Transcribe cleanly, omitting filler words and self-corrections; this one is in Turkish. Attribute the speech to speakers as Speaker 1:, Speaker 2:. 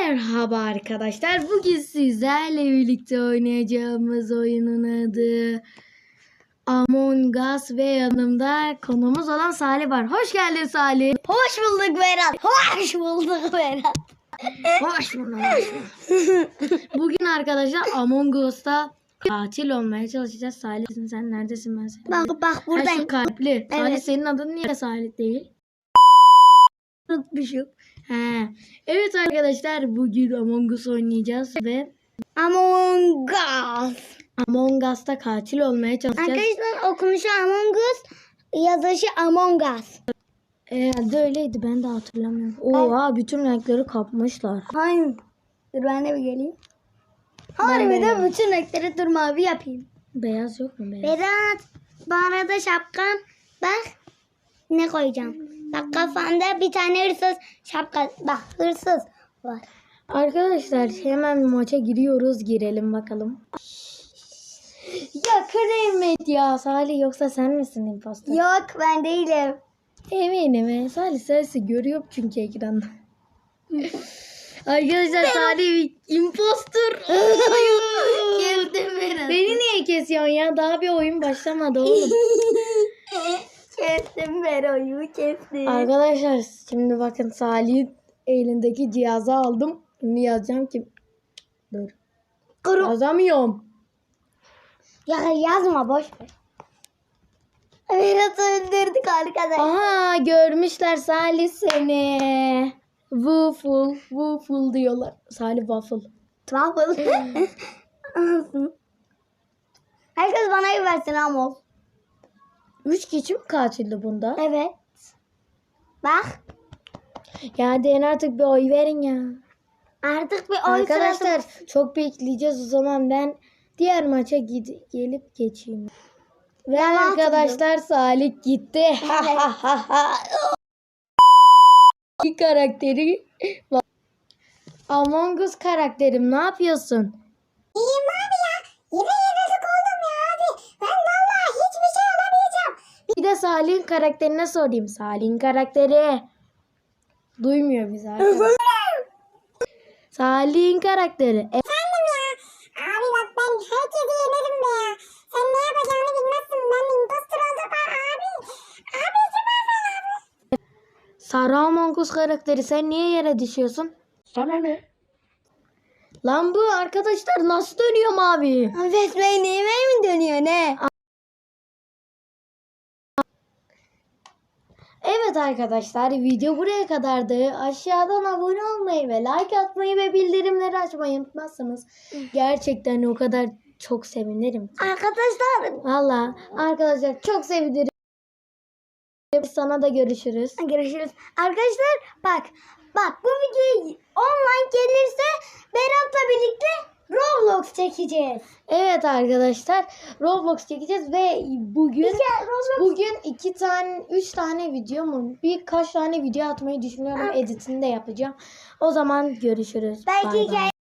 Speaker 1: Merhaba arkadaşlar. Bugün sizlerle birlikte oynayacağımız oyunun adı Among Us ve yanımda konuğumuz olan Salih var. Hoş geldin Salih.
Speaker 2: Hoş bulduk Berat. Hoş bulduk Berat.
Speaker 1: Hoş bulduk. Bugün arkadaşlar Among Us'ta katil olmaya çalışacağız. Salih sen neredesin, ben seni?
Speaker 2: Bak
Speaker 1: Ha,
Speaker 2: buradayım.
Speaker 1: şu kalpli.
Speaker 2: Evet.
Speaker 1: Salih, senin adın niye Salih değil?
Speaker 2: Unutmuşum.
Speaker 1: He. Evet arkadaşlar, bugün Among Us oynayacağız ve
Speaker 2: Among Us.
Speaker 1: Among Us'ta katil olmaya çalışacağız.
Speaker 2: Arkadaşlar okunuşu Among Us, yazışı Among Us.
Speaker 1: Herhalde öyleydi, ben de hatırlamıyorum. Oha, bütün renkleri kapmışlar.
Speaker 2: Hayır. Dur ben de bir geleyim.
Speaker 1: Ben
Speaker 2: Harbiden
Speaker 1: de-
Speaker 2: bütün renkleri dur mavi yapayım.
Speaker 1: Beyaz yok mu beyaz?
Speaker 2: Berat, bu arada şapkan bak ne koyacağım. Bak kafanda bir tane hırsız şapka. Bak hırsız var.
Speaker 1: Arkadaşlar hemen maça girelim bakalım. Ya Kıramet ya Salih, yoksa sen misin impostor?
Speaker 2: Yok ben değilim.
Speaker 1: Eminim. Salih sensin, görüyorum çünkü ekranda. Arkadaşlar Salih bir impostor.
Speaker 2: Kestim Berat.
Speaker 1: Beni niye kesiyorsun ya? Daha bir oyun başlamadı oğlum.
Speaker 2: Kestim Bero'yu kestim.
Speaker 1: Arkadaşlar şimdi bakın, Salih'in elindeki cihazı aldım. Şimdi yazacağım ki... Dur.
Speaker 2: Kuru.
Speaker 1: Yazamıyorum.
Speaker 2: Ya yazma boş ver. Berat'ı öldürdük arkadaşlar.
Speaker 1: Aha, görmüşler Salih seni. Waffle diyorlar. Salih waffle.
Speaker 2: Waffle. Herkes bana iyi versin ama.
Speaker 1: 3 kişi mi kaçırdı bunda?
Speaker 2: Evet. Bak.
Speaker 1: Ya deyin artık, bir oy verin ya.
Speaker 2: Artık bir oy
Speaker 1: Arkadaşlar
Speaker 2: sırası.
Speaker 1: çok bekleyeceğiz, o zaman ben diğer maça gelip geçeyim. Ve
Speaker 2: Ben
Speaker 1: arkadaşlar Salih gitti. Bir karakteri var. Among Us karakterim, ne yapıyorsun?
Speaker 2: İyiyim abi ya. Yine yenildik oldum ya abi. Ben vallahi hiçbir şey alamayacağım.
Speaker 1: Bir de Salih'in karakterine sorayım. Salih'in karakteri. Duymuyor bizi arkadaşlar. Salih'in karakteri.
Speaker 2: Efendim ya. Abi bak ben herkesi yenerim be ya. Sen ne yapacağını bilmezsin. Ben impostor oldum abi. Abi süpersin abi.
Speaker 1: Sarı Among Us karakteri, sen niye yere düşüyorsun?
Speaker 2: Sana ne?
Speaker 1: Lan bu arkadaşlar nasıl dönüyor mavi?
Speaker 2: Besmele mi dönüyor ne?
Speaker 1: Evet arkadaşlar, video buraya kadardı. Aşağıdan abone olmayı ve like atmayı ve bildirimleri açmayı unutmazsanız gerçekten o kadar çok sevinirim.
Speaker 2: Arkadaşlar.
Speaker 1: Valla arkadaşlar çok sevinirim. Sana da görüşürüz.
Speaker 2: Görüşürüz. Arkadaşlar bak bu video online gelirse Berat'la birlikte Roblox çekeceğiz.
Speaker 1: Evet arkadaşlar, Roblox çekeceğiz ve bugün 3 tane video mu, birkaç tane video atmayı düşünüyorum. Editini de yapacağım. O zaman görüşürüz.
Speaker 2: Belki
Speaker 1: Bay bay.
Speaker 2: hikaye